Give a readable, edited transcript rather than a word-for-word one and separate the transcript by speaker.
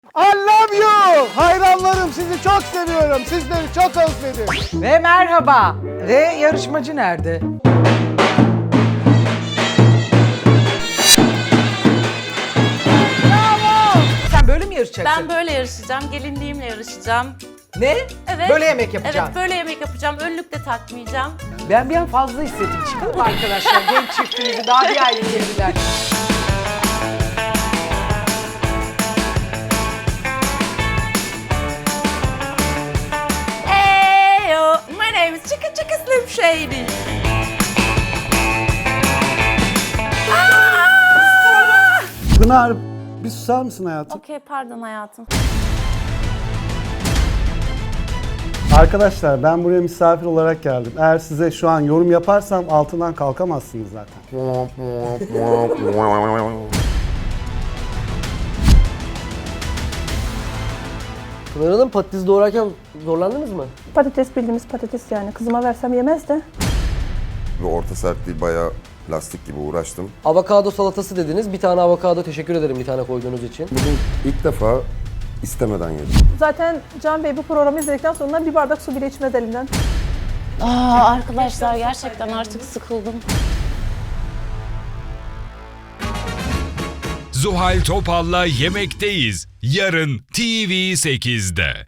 Speaker 1: I love you. Hayranlarım, sizi çok seviyorum. Sizleri çok özledim.
Speaker 2: Ve merhaba. Ve yarışmacı nerede? Bravo. Sen böyle mi yarışacaksın?
Speaker 3: Ben böyle yarışacağım, gelinliğimle yarışacağım.
Speaker 2: Ne?
Speaker 3: Evet.
Speaker 2: Böyle yemek yapacaksın.
Speaker 3: Evet, böyle yemek yapacağım. Önlük de takmayacağım.
Speaker 2: Ben bir an fazla hissettim. Çıkalım arkadaşlar. Genç çiftimizi daha bir ay girdiler.
Speaker 3: Heyo, my name is Chicka Chicka Slim Shady.
Speaker 1: Pınar, bir susar mısın hayatım?
Speaker 3: Okey, pardon hayatım.
Speaker 1: Arkadaşlar ben buraya misafir olarak geldim. Eğer size şu an yorum yaparsam altından kalkamazsınız zaten.
Speaker 4: Pınar Hanım, patates doğrarken zorlandınız mı?
Speaker 5: Patates bildiğimiz patates yani. Kızıma versem yemez de.
Speaker 6: Ve orta sertliği bayağı lastik gibi uğraştım.
Speaker 4: Avokado salatası dediniz. Bir tane avokado, teşekkür ederim bir tane koyduğunuz için.
Speaker 6: Bugün ilk defa istemeden yedim.
Speaker 5: Zaten Can Bey bu programı izledikten sonra bir bardak su bile içmez elinden.
Speaker 3: Arkadaşlar gerçekten artık sıkıldım.
Speaker 7: Zuhal Topal'la Yemekteyiz. Yarın TV8'de.